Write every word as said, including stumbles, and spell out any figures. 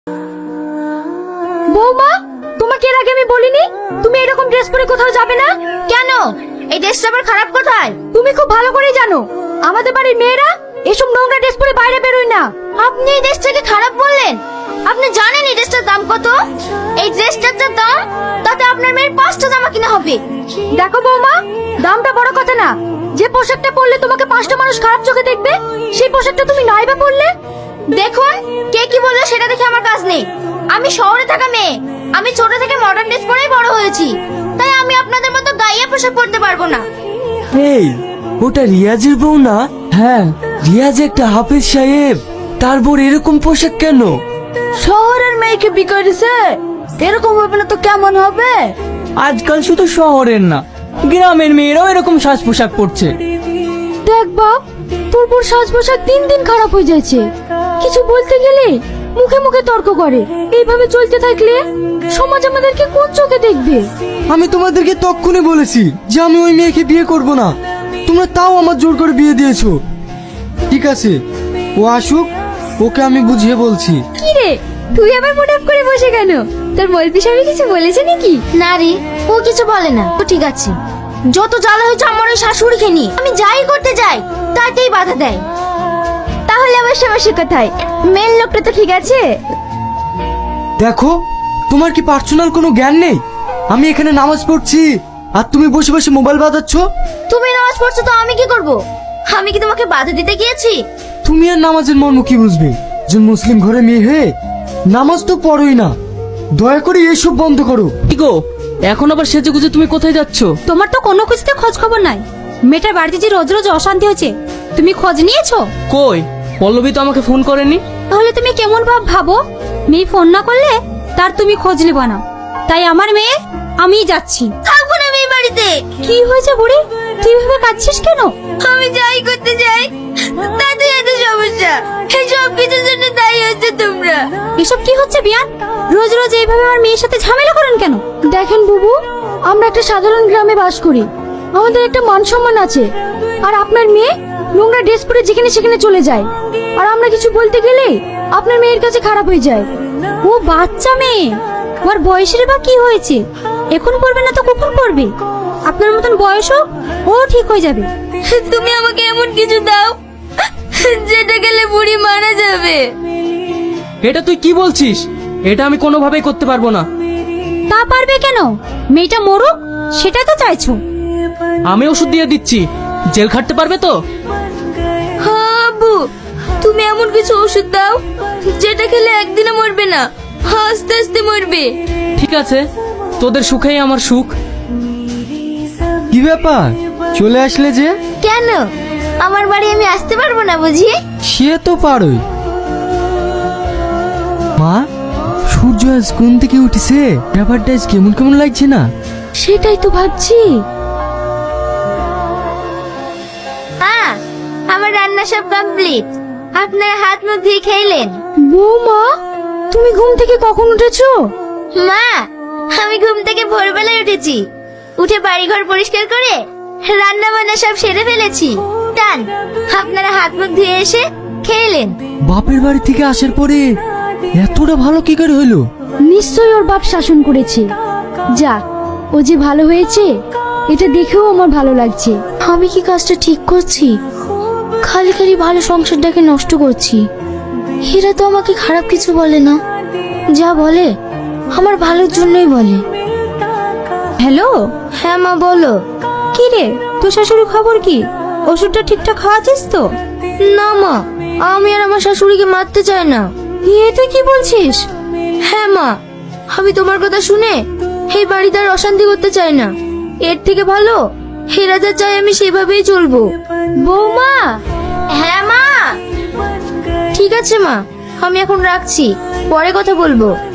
বৌমা, তোমাকে এর আগে আমি বলিনি তুমি এরকম ড্রেস পরে কোথাও যাবে না? কেন? এই ড্রেসটা আবার খারাপ কোথায়? তুমি খুব ভালো করেই জানো আমাদের বাড়ির মেয়েরা এসব নোংরা ড্রেস পরে বাইরে বেরোয় না। আপনি এই ড্রেসটাকে খারাপ বললেন? আপনি জানেন এই ড্রেসটার দাম কত? এই ড্রেসটার যা দাম তাতে আপনার মেয়ের পাঁচটা জামা কিনা হবে। দেখো বৌমা, দামটা বড় কথা না, যে পোশাকটা পরলে তোমাকে পাঁচটা মানুষ খারাপ চোখে দেখবে সেই পোশাকটা তুমি নাই বা পরলে। দেখুন, কে কি বললো সেটা দেখে আমার কাজ নেই। আমি শহরে থাকা মেয়ে, আমি ছোট থেকে মডার্ন ড্রেস পরেই বড় হয়েছি, তাই আমি আপনাদের মতো গাইয়া পোশাক পরতে পারবো না। এই, ওটা রিয়াজের বউ না? হ্যাঁ, রিয়াজ একটা হাফেজ সাহেব, তারপর এরকম পোশাক কেন? শহরের মেয়েকে বিয়ে করেছে, এরকম হবে না তো কেমন হবে? আজকাল শুধু শহরের না, গ্রামের মেয়েরাও এরকম সাজ পোশাক পরছে। দেখ বাপ, তোর বোর সাজ পোশাক দিন দিন খারাপ হয়ে যাচ্ছে। কিছু বলতে গেলে মুখে মুখে তর্ক করে। এইভাবে চলতে থাকলে সমাজ আমাদেরকে কোন চোখে দেখবে? আমি তোমাদেরকে তক্ষুনি বলেছি যে আমি ওই মেয়েকে বিয়ে করব না, তোমরা তাও আমার জোর করে বিয়ে দিয়েছো। ঠিক আছে, ও আসুক, ওকে আমি বুঝিয়ে বলছি। কি রে, তুই আবার মুড অফ করে বসে কেন? তোর মলপি সাহেব কিছু বলেছে নাকি? না রে, ও কিছু বলে না। তো ঠিক আছে, যত জ্বালা হয়েছে আমার ওই শাশুড়িকে নিয়ে। আমি যাই করতে যাই তাতেই বাধা দেয়। তাহলে আমার সমস্যা কোথায়? মেন লোকটা তো ঠিক আছে। দেখো, তোমার কি পার্সোনাল কোনো জ্ঞান নেই? আমি এখানে নামাজ পড়ছি আর তুমি বসে বসে মোবাইল বাজাচ্ছ। তুমি নামাজ পড়ছো তো আমি কি করব? আমি কি তোমাকে বাধা দিতে গিয়েছি? তুমি আর নামাজের মর্ম কি বুঝবে? যে মুসলিম ঘরে মেয়ে হয়ে নামাজ তো পড়োই না। দয়া করে এসব বন্ধ করো। কি গো, এখন আবার সেজে গুজে তুমি কোথায় যাচ্ছ? তোমার তো কোনো কিছুতে খোঁজ খবর নাই। মেয়েটার বাড়িতে যে রোজ রোজ অশান্তি হচ্ছে, তুমি খোঁজ নিয়েছো? কই, পল্লবী তো আমাকে ফোন করেনি। তাহলে তুমি কেমন ভাব ভাবো? মেয়ে ফোন না করলে তার তুমি খোঁজ নেবা না। তাই আমার মেয়ে আমিই যাচ্ছি। থাকবো না আমি এই বাড়িতে। কি হয়েছে বুড়ি, তুই ভাবে কাঁদছিস কেন? আমি যাই করতে যাই তাতে এত সমস্যা। এই সব কিছুর জন্য দায়ী হচ্ছে তোমরা। এসব কি হচ্ছে বিয়ান? রোজ রোজ এইভাবে আমার মেয়ের সাথে ঝামেলা করেন কেন? দেখেন বুবু, আমরা একটা সাধারণ গ্রামে বাস করি, আমাদের একটা মান সম্মান আছে। আর আপনার মেয়ে নোংরা ড্রেস পরে যেখানে সেখানে চলে যায়, আর আমরা কিছু বলতে গেলে আপনার মেয়ের কাছে খারাপ হয়ে যায়। ও বাচ্চা মেয়ে, ওর বয়সের বা কি হয়েছে? এখন পড়বে না তো কখন পড়বে? আপনার মতন বয়স হোক, ও ঠিক হয়ে যাবে। তুমি আমাকে এমন কিছু দাও যেটা গেলে বুড়ি মারা যাবে। এটা তুই কি বলছিস? এটা আমি কোনোভাবেই করতে পারবো না। তা পারবে কেন? মেয়েটা মরুক, সেটা তো চাইছো। আমি ওষুধ দিয়ে দিচ্ছি, জেল খাটতে পারবে তো? হ্যাঁ আব্বু, তুমি এমন কিছু ওষুধ দাও যেটা খেলে একদিনে মরবে না, আস্তে আস্তে মরবে। ঠিক আছে, তোদের সুখেই আমার সুখ। কি ব্যাপার, চলে আসলে যে? কেন, আমার বাড়ি আমি আসতে পারবো না বুঝি? সে তো পারোই। মা, সূর্য আজ কোন থেকে উঠেছে? ব্যাপারটা আজ কেমন কেমন লাগছে না? সেটাই তো ভাবছি। হ্যাঁ, আমার রান্না সব কমপ্লিট। আপনারা হাত মুখ ধুয়ে খেলেন? বৌমা, তুমি ঘুম থেকে কখন উঠেছো? মা, আমি ঘুম থেকে ভোরবেলায় উঠেছি। উঠে বাড়িঘর পরিষ্কার করে রান্না বান্না সব সেরে ফেলেছি। টান, আপনারা হাত মুখ ধুয়ে এসে খেলেন। বাপের বাড়ি থেকে আসার পরে এতটা ভালো কি করে হলো? নিশ্চয়ই ওর বাপ শাসন করেছে। যাক, ও যে ভালো হয়েছে এটা দেখেও আমার ভালো লাগছে। আমি কি কাজটা ঠিক করছি? খালি খালি ভালো সংসারটাকে নষ্ট করছি। হীরা তো আমাকে খারাপ কিছু বলে না, যা বলে আমার ভালোর জন্যই বলে। হ্যালো, হ্যাঁ মা, বলো। কি রে, তোর শাশুড়ি খবর কি? ওষুধটা ঠিকঠাক খাওয়াছিস তো? না মা, আমি আর আমার শাশুড়িকে মারতে চাই না। এ তুই কি বলছিস? হ্যাঁ মা, আমি তোমার কথা শুনে এই বাড়িতে আর অশান্তি করতে চাই না। এর থেকে ভালো হীরা যা চাই আমি সেভাবেই চলবো। বৌমা, হ্যাঁ মা, ঠিক আছে মা, আমি এখন রাখছি, পরে কথা বলবো।